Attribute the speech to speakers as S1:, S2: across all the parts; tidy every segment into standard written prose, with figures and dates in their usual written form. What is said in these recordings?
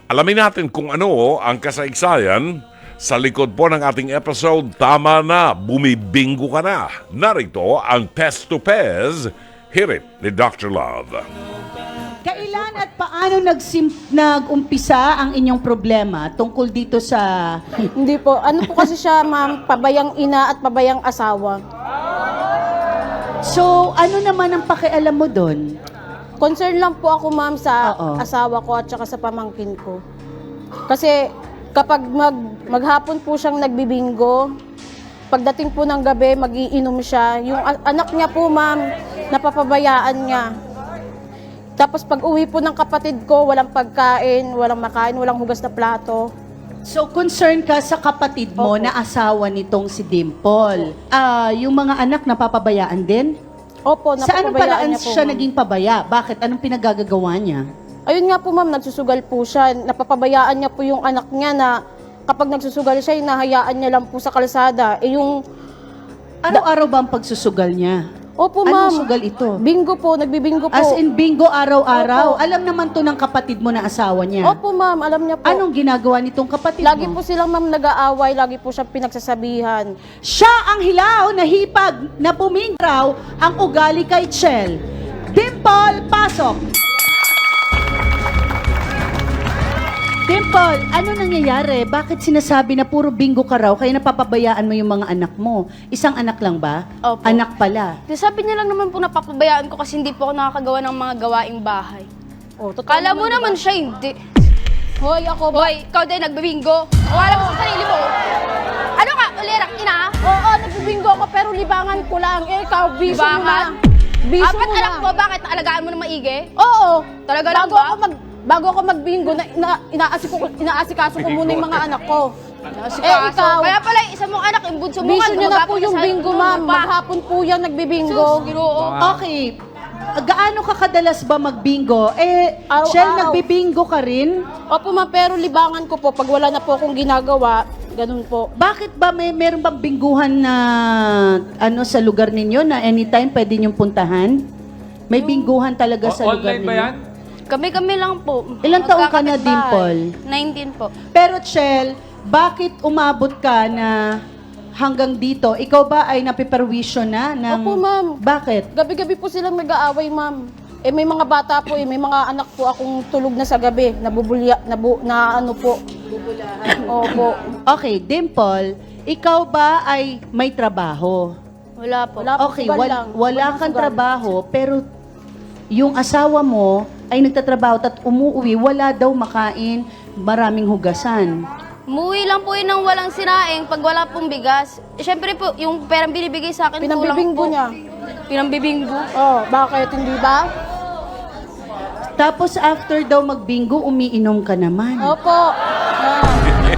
S1: Alamin natin kung ano ang kasaysayan sa likod po ng ating episode. Tama na, bumibingo ka na. Narito ang Pest to Pez, Hirit ni Dr. Love.
S2: Kailan at paano nag-umpisa ang inyong problema tungkol dito sa...
S3: Hindi po. Ano po kasi siya, ma'am, pabayang ina at pabayang asawa.
S2: So, ano naman ang pakialam mo doon?
S3: Concern lang po ako, ma'am, sa
S2: Oo.
S3: asawa ko at saka sa pamangkin ko. Kasi kapag maghapon po siyang nagbibingo, pagdating po ng gabi, magiinom siya. Yung anak niya po, ma'am, napapabayaan niya. Tapos pag uwi po ng kapatid ko, walang pagkain, walang makain, walang hugas na plato.
S2: So, concern ka sa kapatid mo
S3: Opo.
S2: na asawa nitong si Dimple. Yung mga anak napapabayaan din?
S3: Opo,
S2: Sa anong
S3: napapabayaan
S2: paraan
S3: niya po,
S2: siya
S3: ma'am.
S2: naging pabaya? Bakit? Anong pinagagagawa niya?
S3: Ayun nga po, ma'am, nagsusugal po siya. Napapabayaan niya po yung anak niya na kapag nagsusugal siya, hinahayaan niya lang po sa kalsada. Eh yung,
S2: Araw-araw ba ang pagsusugal niya?
S3: opo, ma'am.
S2: Anong sugal ito?
S3: Bingo po, nagbibingo po.
S2: As in bingo araw-araw.
S3: Opo.
S2: Alam naman to ng kapatid mo na asawa niya.
S3: Opo, ma'am, alam niya po.
S2: Anong ginagawa nitong kapatid
S3: Lagi
S2: mo?
S3: po silang, ma'am, nag-aaway, lagi po siyang pinagsasabihan.
S2: Siya ang hilaw na hipag na pumingraw ang ugali kay Chel. Dimple, pasok! Dimple, ano nangyayari? Bakit sinasabi na puro bingo ka raw kaya napapabayaan mo yung mga anak mo? Isang anak lang ba?
S4: Opo.
S2: Anak pala.
S4: Sabi niya lang naman po napapabayaan ko kasi hindi po ako nakakagawa ng mga gawaing bahay.
S3: Oh, totoo
S4: Kala mo
S3: diba?
S4: naman siya hindi.
S3: Hoy, ako ba?
S4: Hoy, ikaw din nagbibingo. Wala mo sa sarili mo. Ano ka, ulirak ina?
S3: Oo, nagbibingo ako pero libangan ko lang. Eh, ikaw, biso mo na.
S4: Libangan?
S3: Biso
S4: Apat
S3: mo
S4: anak
S3: na.
S4: mo, bakit alagaan mo na maigi?
S3: Oo.
S4: Talaga lang ba?
S3: Bago ako magbingo, inaasikaso ko muna yung mga anak ko.
S4: Si
S3: Eh, ikaw.
S4: Kaya pala, isa mong anak, yung bunso mo
S3: Biso niyo na po
S4: gumagapang
S3: yung
S4: sa
S3: bingo,
S4: ulo
S3: ma'am.
S4: pa.
S3: Maghapon po yan nagbibingo.
S4: Sus, ginoo.
S2: Okay. Gaano ka kadalas ba magbingo?
S3: Araw-araw.
S2: Chel, nagbibingo ka rin?
S3: Opo, ma'am, pero libangan ko po. Pag wala na po akong ginagawa, ganun po.
S2: Bakit ba meron bang bingguhan na sa lugar ninyo na anytime pwede niyong puntahan? May bingguhan talaga sa lugar
S5: Online
S2: ninyo?
S5: ba yan?
S4: Kami lang po.
S2: Ilang taong ka na,
S4: Magkakapitbahay.
S2: Dimple?
S4: 19 po.
S2: Pero Chel, bakit umabot ka na hanggang dito? Ikaw ba ay napiperwisyo na?
S3: Opo, ma'am.
S2: Bakit?
S3: Gabi-gabi po silang nag-aaway, ma'am. Eh, may mga bata po, may mga anak po akong tulog na sa gabi. Nabubulya, na ano po. Bubulahan. Opo.
S2: Okay, Dimple, ikaw ba ay may trabaho?
S4: Wala po.
S3: Wala po,
S2: Okay,
S3: sugal lang.
S2: wala
S3: Walang
S2: kang
S3: sugal.
S2: trabaho, pero yung asawa mo ay nagtatrabaho at umuwi, wala daw makain, maraming hugasan.
S4: Umuwi lang po yun ng walang sinaing pag wala pong bigas. Siyempre po, yung perang binibigay sa akin, kulang
S3: Pinambibinggo
S4: po.
S3: niya.
S4: Pinambibinggo.
S3: Oh, bakit? Hindi ba?
S2: Tapos after daw magbingo, umiinom ka naman.
S3: Opo. Ah.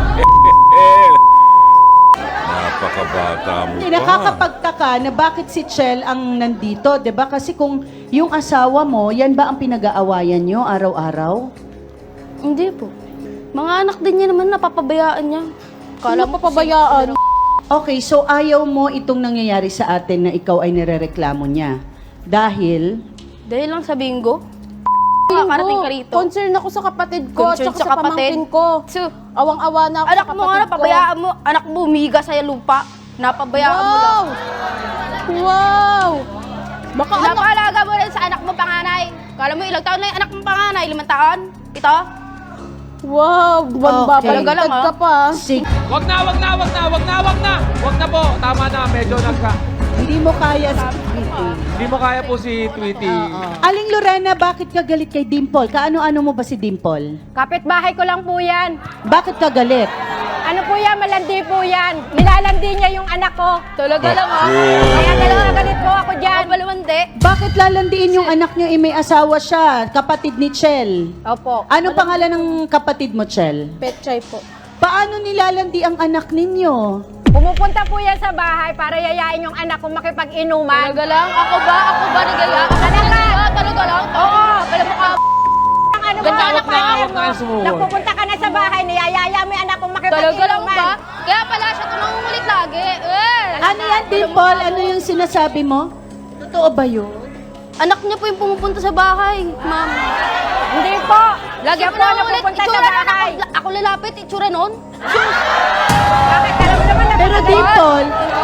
S1: Napakabata mo pa.
S2: Nakakapagtaka na bakit si Chel ang nandito, 'di ba? Kasi kung yung asawa mo, yan ba ang pinag-aawayan nyo araw-araw?
S4: Hindi po. Mga anak din niya naman, napapabayaan niya.
S3: Kala mo pabayaan.
S2: Okay, so ayaw mo itong nangyayari sa atin na ikaw ay nirereklamo niya. Dahil,
S4: Dahil lang sa bingo. Makakarating ka rito.
S3: Concern ako sa kapatid ko,
S4: Concern
S3: tsaka
S4: sa
S3: sa
S4: kapatid.
S3: pamangkin ko.
S4: So,
S3: Awang-awa na ako
S4: anak
S3: sa
S4: mo
S3: kapatid
S4: nga,
S3: ko.
S4: pabayaan mo. Anak mo, umiga sa lupa. Napabayaan mo lang.
S3: Wow! Wow! Baka anak...
S4: Napakalaga mo rin sa anak mo panganay. Kala mo ilang taon na yung anak mo panganay? 5 taon? Ito?
S3: Wow!
S2: Okay.
S4: Talaga lang,
S3: Baliktad ka pa.
S2: sig-
S5: Wag na po. Tama na, medyo
S2: hindi mo kaya
S5: Hindi mo kaya po si Tweety.
S2: Aling Lorena, bakit ka galit kay Dimple? Kaano-ano mo ba si Dimple?
S6: Kapitbahay ko lang po yan.
S2: Bakit ka galit?
S6: Ano po yan? Malandi po yan. Nilalandi niya yung anak ko.
S4: Talaga lang ha?
S6: Kaya dalawa galit po ako dyan.
S4: Balawandi.
S2: Bakit lalandiin yung anak niyo? May asawa siya, kapatid ni Chel.
S6: Opo.
S2: Ano pangalan ng kapatid mo, Chel?
S3: Petchay po.
S2: Paano nilalandi ang anak ninyo?
S6: Pumupunta po yan sa bahay para yayain yung anak ko makipag-inuman.
S4: Talaga lang? Ako ba nagaya? Talaga lang?
S6: Oo.
S4: Alam mo ka,
S6: Ang ano
S4: Ganda
S6: mo,
S4: anak na,
S5: huwag na kayo sumuko.
S6: Nagpupunta ka na sa bahay, niyayaya mo yung anak ko
S4: talaga lang
S6: makipag-inuman.
S4: ba? Kaya pala siya ito nangungulit lagi.
S2: Ano yan, Dimple? Ano yung sinasabi mo? Totoo ba yun?
S4: Anak niya po yung pumupunta sa bahay, ma'am.
S6: Hindi po.
S4: Lagi
S6: Siya
S4: po
S6: po ang
S4: nangungulit.
S6: nagpupunta sa
S4: Itsura ng anak
S6: bahay.
S4: ko ako lalapit, itsura nun.
S6: Bakit alam naman na
S2: Pero Dimple,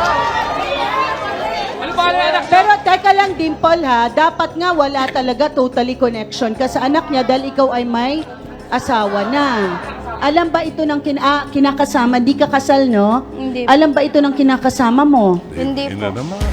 S5: Ano ba ang anak?
S2: pero teka lang Dimple ha, dapat nga wala talaga totally connection ka sa anak niya dahil ikaw ay may asawa na. Alam ba ito ng kinakasama? Hindi ka kasal, no?
S4: Hindi.
S2: Alam ba ito ng kinakasama mo?
S4: Hindi
S1: Ina
S4: po.
S1: naman.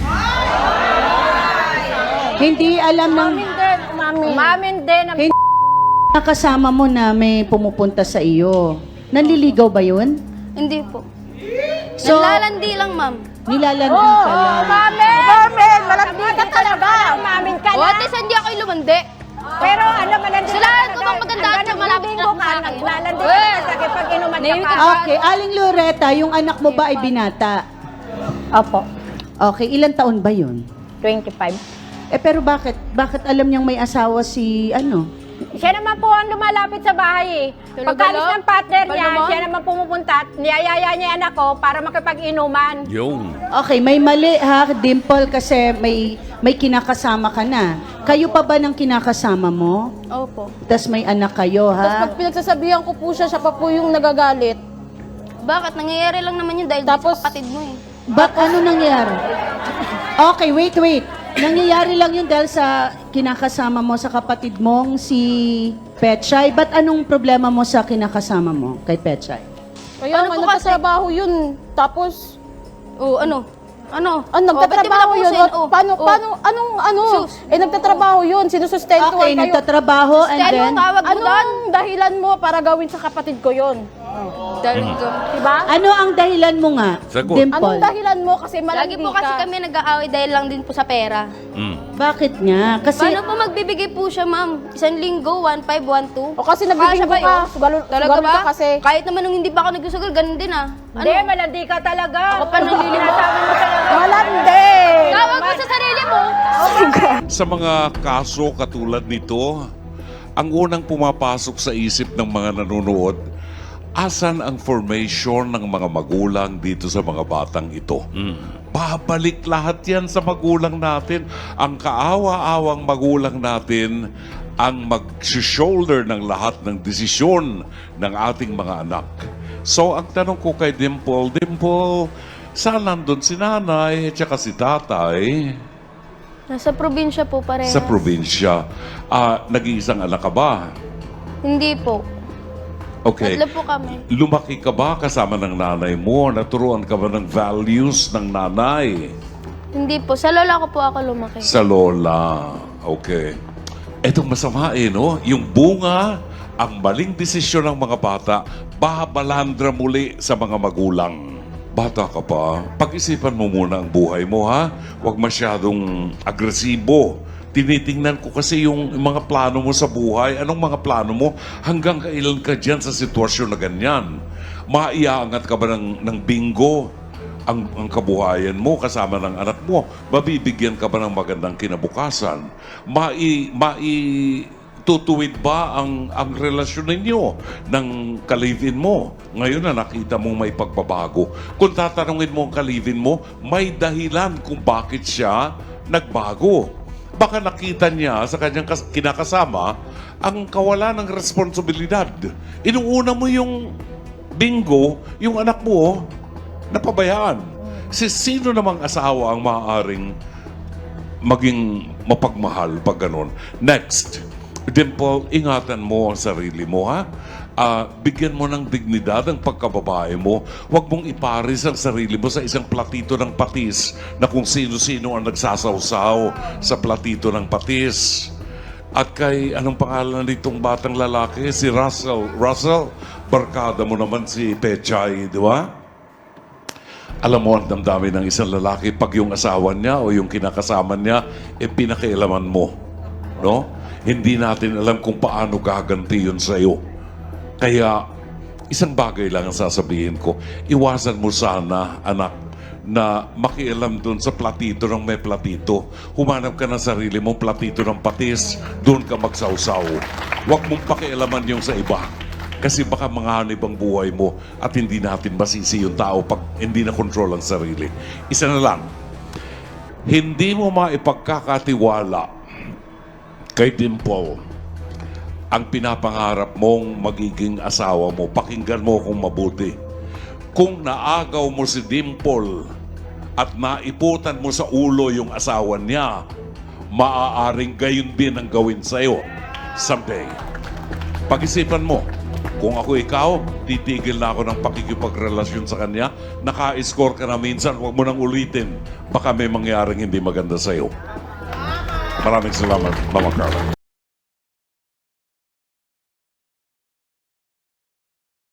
S2: Hindi alam ng
S6: Umamin din. Ang
S2: Hindi. Kinakasama mo na may pumupunta sa iyo. Nanliligaw ba yun?
S4: Hindi po.
S2: So,
S4: Nalalandi lang, ma'am.
S2: nilalandi ka lang.
S6: Umamin! Malandi ka talaga. Umamin ka
S4: O,
S6: na.
S4: at least hindi ako lumandi.
S6: Pero ano, malandi
S4: Sila, kung maganda at siya, malapit na
S6: ka,
S4: sa akin.
S6: naglalandi ka sa akin pag inuman ka
S4: Nahimik
S6: pa.
S4: ka.
S2: Okay, Aling Loretta, yung anak mo ba ay binata?
S6: Opo,
S2: Okay, ilang taon ba yun?
S6: 25.
S2: Pero bakit alam niyang may asawa si
S6: Siya naman po ang lumalapit sa bahay eh.
S4: Talaga
S6: Pagkalis
S4: lang?
S6: ng partner niya,
S4: Talaga?
S6: siya naman pumupunta at niyayaya niya yung anak ko para makipag-inuman.
S1: Yung.
S2: Okay, may mali ha, Dimple, kasi may kinakasama ka na. Kayo pa ba ng kinakasama mo?
S4: Opo.
S2: Tapos may anak kayo,
S3: Tapos
S2: ha?
S3: pag pinagsasabihan ko po siya pa po yung nagagalit.
S4: Bakit? Nangyayari lang naman yun dahil
S3: Tapos-
S4: sa kapatid mo eh.
S2: Ba't ano nangyari? Okay, wait. Nangyayari lang yun dahil sa kinakasama mo sa kapatid mong si Petchay. Ba't anong problema mo sa kinakasama mo kay Petchay?
S3: Kaya
S4: Ano
S3: nga,
S4: po kasi?
S3: nagtatrabaho yun. Tapos,
S4: O, ano? Ano?
S3: nagtatrabaho yun. Paano,
S4: Sus.
S3: nagtatrabaho yun. Sinusustentuhan
S2: Okay,
S3: kayo.
S2: nagtatrabaho and
S4: Ano
S2: then...
S4: tawag mo doon?
S3: Anong dahilan mo para gawin sa kapatid ko yun?
S4: Dahil ko.
S3: Diba?
S2: Ano ang dahilan mo nga,
S1: Sagot.
S2: Dimple?
S3: Anong dahilan mo? Kasi malandi
S4: Lagi po kasi
S3: ka.
S4: kami nag-aaway dahil lang din po sa pera.
S2: Bakit nga? Kasi...
S4: Paano po magbibigay po siya, ma'am? Isang linggo, 1,500, 1,200?
S3: O kasi nagbibigay
S4: ba
S3: ka.
S4: Talaga ba?
S3: Ka kasi.
S4: Kahit naman nung hindi pa ako nagsusugal, ganun din ah.
S6: Hindi, malandi ka talaga.
S4: Ako pa nalilimo.
S6: Sinasabi mo talaga.
S3: Malandi!
S4: Tawag mo sa sarili mo.
S1: Sa mga kaso katulad nito, ang unang pumapasok sa isip ng mga nanonood, asan ang formation ng mga magulang dito sa mga batang ito? Babalik lahat yan sa magulang natin. Ang kaawa-awang magulang natin ang mag-shoulder ng lahat ng desisyon ng ating mga anak. So, ang tanong ko kay Dimple, saan nandun si nanay at saka si tatay?
S4: Nasa probinsya po pareha.
S1: Sa probinsya. Nag-iisang anak ka ba?
S4: Hindi po.
S1: Okay.
S4: Tatlo po kami.
S1: Lumaki ka ba kasama ng nanay mo? Naturuan ka ba ng values ng nanay?
S4: Hindi po. Sa lola ko po ako lumaki.
S1: Sa lola. Okay. Etong masama no? Yung bunga, ang maling desisyon ng mga bata, babalandra muli sa mga magulang. Bata ka pa, pag-isipan mo muna ang buhay mo, ha? Huwag masyadong agresibo. Tinitingnan ko kasi yung mga plano mo sa buhay. Anong mga plano mo? Hanggang kailan ka dyan sa sitwasyon na ganyan? Maiaangat ka ba ng bingo ang kabuhayan mo kasama ng anak mo? Mabibigyan ka ba ng magandang kinabukasan? Tutuwid ba ang relasyon ninyo ng kalivin mo? Ngayon na nakita mo may pagbabago. Kung tatanungin mo ang kalivin mo, may dahilan kung bakit siya nagbago. Baka nakita niya sa kanyang kinakasama ang kawalan ng responsibilidad. Inuuna mo yung bingo, yung anak mo, napabayaan. Sino namang asawa ang maaaring maging mapagmahal pag ganun? Next. Dimple, ingatan mo ang sarili mo, ha? Bigyan mo ng dignidad ang pagkababae mo. Huwag mong iparis ang sarili mo sa isang platito ng patis na kung sino-sino ang nagsasawsaw sa platito ng patis. At kay, anong pangalan nitong batang lalaki? Si Russell. Russell, barkada mo naman si Pechay, di ba? Alam mo ang damdamin ng isang lalaki pag yung asawa niya o yung kinakasama niya, pinakialaman mo. No? Hindi natin alam kung paano gaganti yun sa'yo. Kaya, isang bagay lang ang sasabihin ko. Iwasan mo sana, anak, na makialam doon sa platito ng may platito. Humanap ka ng sarili mong platito ng patis, doon ka magsawsaw. Huwag mong pakialaman yung sa iba. Kasi baka manganib ang buhay mo at hindi natin masisi yung tao pag hindi na control ang sarili. Isa na lang, hindi mo maipagkakatiwala kay Dimple ang pinapangarap mong magiging asawa mo, pakinggan mo kung mabuti. Kung naagaw mo si Dimple at naiputan mo sa ulo yung asawa niya, maaaring gayon din ang gawin sa'yo someday. Pag-isipan mo, kung ako ikaw, titigil na ako ng pakikipagrelasyon sa kanya. Naka-score ka na minsan, huwag mo nang ulitin. Baka may mangyaring hindi maganda sa'yo. Maraming salamat, Mama Carla.